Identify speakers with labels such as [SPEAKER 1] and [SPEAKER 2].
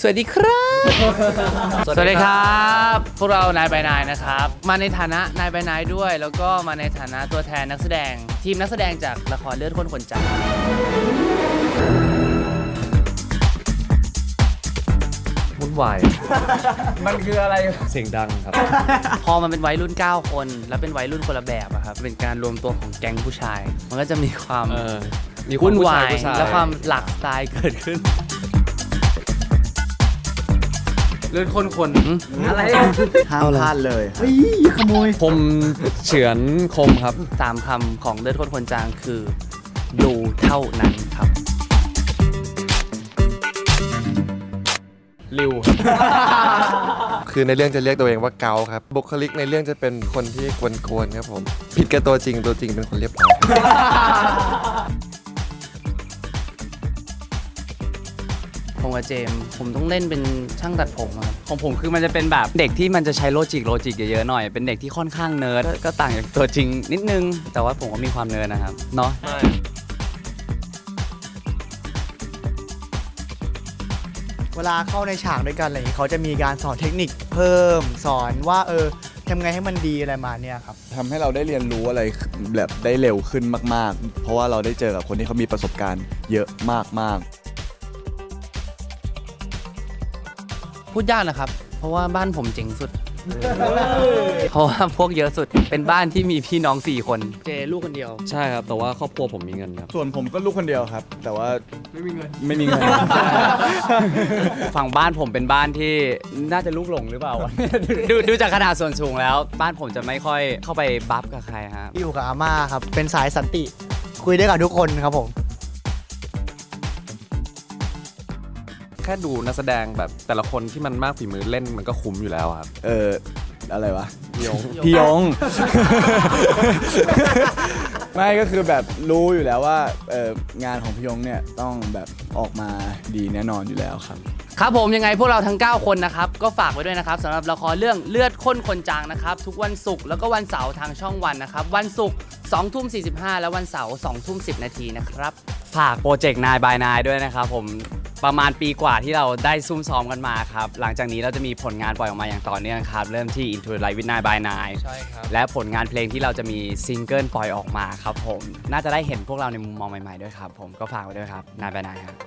[SPEAKER 1] สวัสดีครับสวัสดีครับพวกเรานายบายนายนะครับมาในฐานะนายบายนายด้วยแล้วก็มาในฐานะตัวแทนนักแสดงทีมนักแสดงจากละครเลือดข้นคนจาง
[SPEAKER 2] วุ่นวาย
[SPEAKER 1] มันคืออะไร
[SPEAKER 2] เสียงดังครับ
[SPEAKER 1] พอมันเป็นวัยรุ่น9คนแล้วเป็นวัยรุ่นคนละแบบอะครับเป็นการรวมตัวของแก๊งผู้ชายมันก็จะมีความวุ่นวายและความหลากสไตล์เกิดขึ้นเลือดข้นคนอะไร
[SPEAKER 3] ห้ามพลาดเลยเฮ้ยขโมย
[SPEAKER 2] คมเฉือนคมครับ
[SPEAKER 1] 3 คำของเลือดข้นคนจางคือดูเท่านั้นครับ
[SPEAKER 2] ริว
[SPEAKER 4] คือในเรื่องจะเรียกตัวเองว่าเกาครับบุคลิกในเรื่องจะเป็นคนที่กวนๆครับผมผิดกับตัวจริงเป็นคนเรียบร้อย
[SPEAKER 1] ผมกับเจมผมต้องเล่นเป็นช่างตัดผมครับของผมคือมันจะเป็นแบบเด็กที่มันจะใช้โลจิกเยอะๆหน่อยเป็นเด็กที่ค่อนข้างเนิร์ดก็ต่างจากตัวจริงนิดนึงแต่ว่าผมก็มีความเนิร์ดนะครับเนาะ
[SPEAKER 3] เวลาเข้าในฉากด้วยกันอะไรอย่างนี้เขาจะมีการสอนเทคนิคเพิ่มสอนว่าทำไงให้มันดีอะไรมาเนี่ยครับ
[SPEAKER 5] ทำให้เราได้เรียนรู้อะไรแบบได้เร็วขึ้นมากๆเพราะว่าเราได้เจอกับคนที่เขามีประสบการณ์เยอะมาก
[SPEAKER 1] พูดยากนะครับเพราะว่าบ้านผมเจ๋งสุดเพราะว่าพวกเยอะสุดเป็นบ้านที่มีพี่น้อง4 คนเจลูกคนเดียว
[SPEAKER 2] ใช่ครับแต่ว่าครอบครัวผมมีเงินครับ
[SPEAKER 5] ส่วนผมก็ลูกคนเดียวครับแต่ว่าไม่มีเงิน
[SPEAKER 1] ฝั่งบ้านผมเป็นบ้านที่น่าจะลูกหลงหรือเปล่า ดูจากขนาดส่วนสูงแล้วบ้านผมจะไม่ค่อยเข้าไปบัฟกับใครครับ
[SPEAKER 3] อยู่กับอาม่าครับเป็นสายสันติคุยได้กับทุกคนครับผม
[SPEAKER 2] แค่ดูนักแสดงแบบแต่ละคนที่มันมากฝีมือเล่นมันก็คุ้มอยู่แล้วครับ
[SPEAKER 5] อะไรวะ
[SPEAKER 2] พี่ยง
[SPEAKER 5] ไม่ก็คือแบบรู้อยู่แล้วว่างานของพี่ยงเนี่ยต้องแบบออกมาดีแน่นอนอยู่แล้วครับ
[SPEAKER 1] ครับผมยังไงพวกเราทั้ง9 คนนะครับก็ฝากไว้ด้วยนะครับสำหรับละครเรื่องเลือดข้นคนจางนะครับทุกวันศุกร์แล้วก็วันเสาร์ทางช่องวันนะครับวันศุกร์20:45และวันเสาร์20:10นะครับฝากโปรเจกต์นายบายนายด้วยนะครับผมประมาณปีกว่าที่เราได้ซุ่มซ้อมกันมาครับหลังจากนี้เราจะมีผลงานปล่อยออกมาอย่างต่อเนื่องครับเริ่มที่ Into the Light with นายบายนายใช่ครับและผลงานเพลงที่เราจะมีซิงเกิลปล่อยออกมาครับผมน่าจะได้เห็นพวกเราในมุมมองใหม่ๆด้วยครับผมก็ฝากไว้ด้วยครับนายบายนายครับ